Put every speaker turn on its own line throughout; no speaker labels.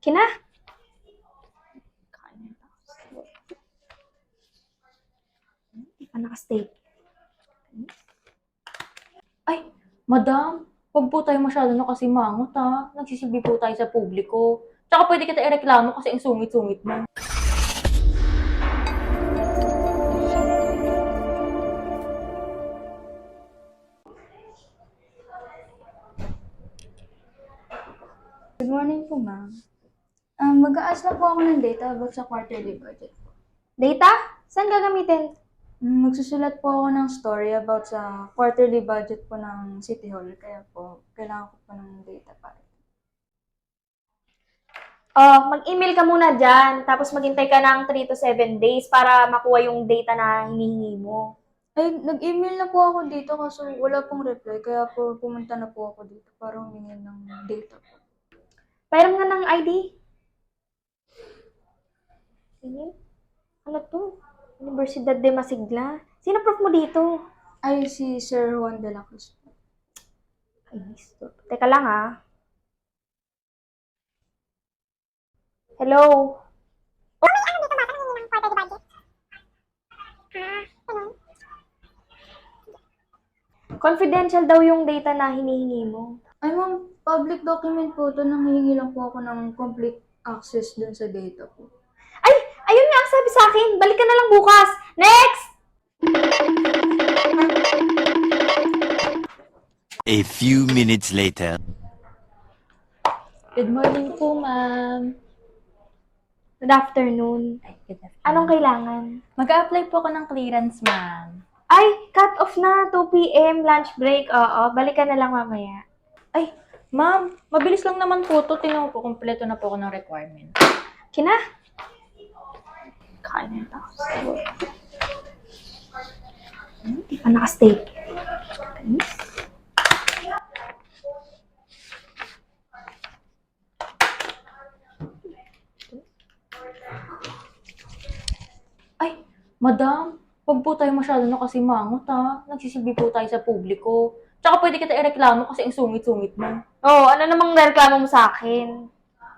Kina? Hindi pa nakastay.
Ay, madam, huwag po tayo masyado na kasi mangot ha. Nagsisilbi po tayo sa publiko. Tsaka pwede kita ireklamo kasi ang sungit-sungit mo.
Good morning po, ma'am. Mag-a-ask lang po ako ng data about sa quarterly budget po.
Data? Saan gagamitin?
Magsusulat po ako ng story about sa quarterly budget po ng City Hall, kaya po kailangan ko po ng data para.
Oh, mag-email ka muna dyan, tapos maghintay ka ng 3 to 7 days para makuha yung data na hinihingi mo.
Ay, nag-email na po ako dito kaso wala pong reply, kaya po pumunta na po ako dito para humingi ng data po.
Pairam nga ng ID. Sige. Ano to? Universidad de Masigla. Sino prof mo dito?
Ay, si Sir Juan de la Cruz po.
Ay, stop. Teka lang ah. Hello? Confidential daw yung data na hinihingi mo.
Ay, ma'am, public document po ito. Nanghihingi lang po ako ng complete access dun sa data po.
Ay! Ayun nga ang sabi sa akin. Balik ka na lang bukas. Next!
A few minutes later.
Good morning po, ma'am.
Good afternoon.
Ay, good afternoon.
Anong kailangan?
Mag-a-apply po ako ng clearance, ma'am.
Ay, cut off na. 2 p.m. lunch break. Oo, balik ka na lang mamaya.
Ay, ma'am, mabilis lang naman po to. Tingnan po, kompleto na po ako ng requirement.
Kina? Kain na. Hindi pa nakastay.
Ay, madam, huwag po tayo masyado na kasi mangot ha. Nagsisilbi po tayo sa publiko. Tsaka pwede kita ireklamo kasi ang sungit-sungit mo.
Oo, ano namang reklamo mo sa akin?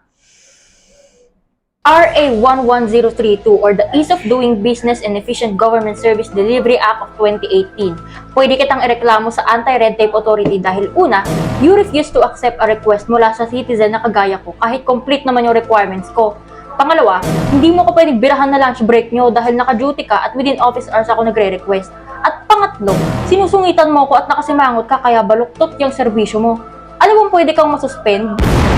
RA 11032 or the Ease of Doing Business and Efficient Government Service Delivery Act of 2018. Pwede kitang ireklamo sa Anti-Red Tape Authority dahil una, you refuse to accept a request mula sa citizen na kagaya ko kahit complete naman yung requirements ko. Pangalawa, hindi mo ko pwedeng birahan na lunch break nyo dahil naka-duty ka at within office hours ako nagre-request. At pangatlo, sinusungitan mo ko at nakasimangot ka kaya baluktot yung serbisyo mo. Alam mo pwede kang masuspend?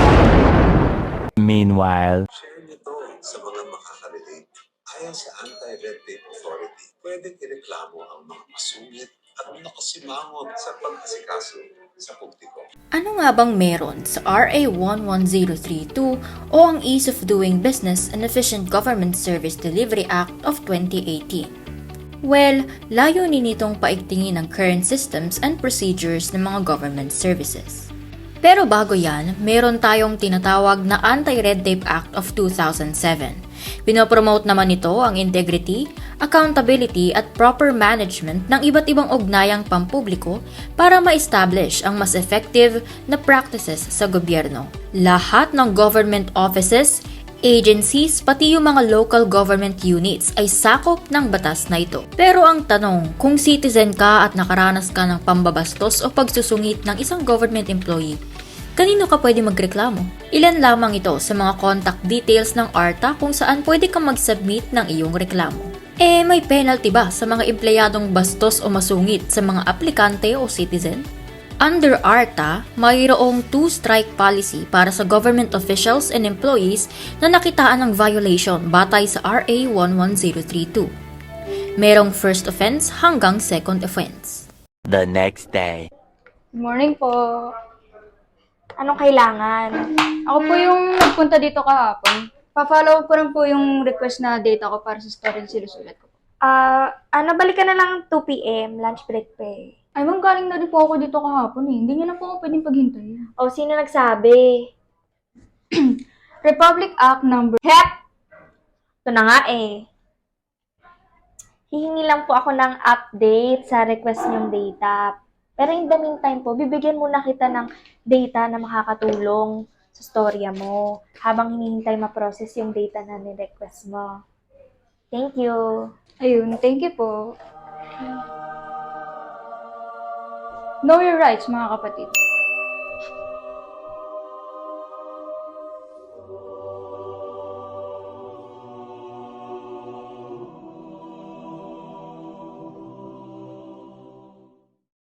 Meanwhile.
Share nito sa mga makaka-relate. Ayon sa Anti-Red Tape Authority, pwedeng ireklamo ang mga masungit at nakasimangot sa pag-asikaso sa publiko.
Ano nga bang meron sa RA 11032 o ang Ease of Doing Business and Efficient Government Service Delivery Act of 2018? Well, layunin nitong paigtingin ang current systems and procedures ng mga government services. Pero bago yan, meron tayong tinatawag na Anti-Red Tape Act of 2007. Pinopromote naman nito ang integrity, accountability at proper management ng iba't ibang ugnayang pampubliko para ma-establish ang mas effective na practices sa gobyerno. Lahat ng government offices, agencies, pati yung mga local government units ay sakop ng batas na ito. Pero ang tanong, kung citizen ka at nakaranas ka ng pambabastos o pagsusungit ng isang government employee, kanino ka pwede magreklamo? Ilan lamang ito sa mga contact details ng ARTA kung saan pwede kang mag-submit ng iyong reklamo. May penalty ba sa mga empleyadong bastos o masungit sa mga aplikante o citizen? Under ARTA, mayroong 2-strike policy para sa government officials and employees na nakitaan ng violation batay sa RA 11032. Merong first offense hanggang second offense.
The next day.
Good morning po.
Anong kailangan?
Ako po yung nagpunta dito kahapon. Pa-follow ko rin po yung request na data ko para sa story na sinusulat ko.
Balik ka na lang 2 p.m. lunch break pay.
Ay, ma'am, galing na rin po ako dito kahapon eh. Hindi niyo na po ako pwedeng paghintay.
O, sino nagsabi?
Republic Act number...
Hep! Ito na nga eh. Hihingi lang po ako ng update sa request niyong data. Pero in the meantime po, bibigyan muna kita ng data na makakatulong sa storya mo habang hinihintay ma-process yung data na ni-request mo. Thank you!
Ayun, thank you po. Know your rights, mga kapatid.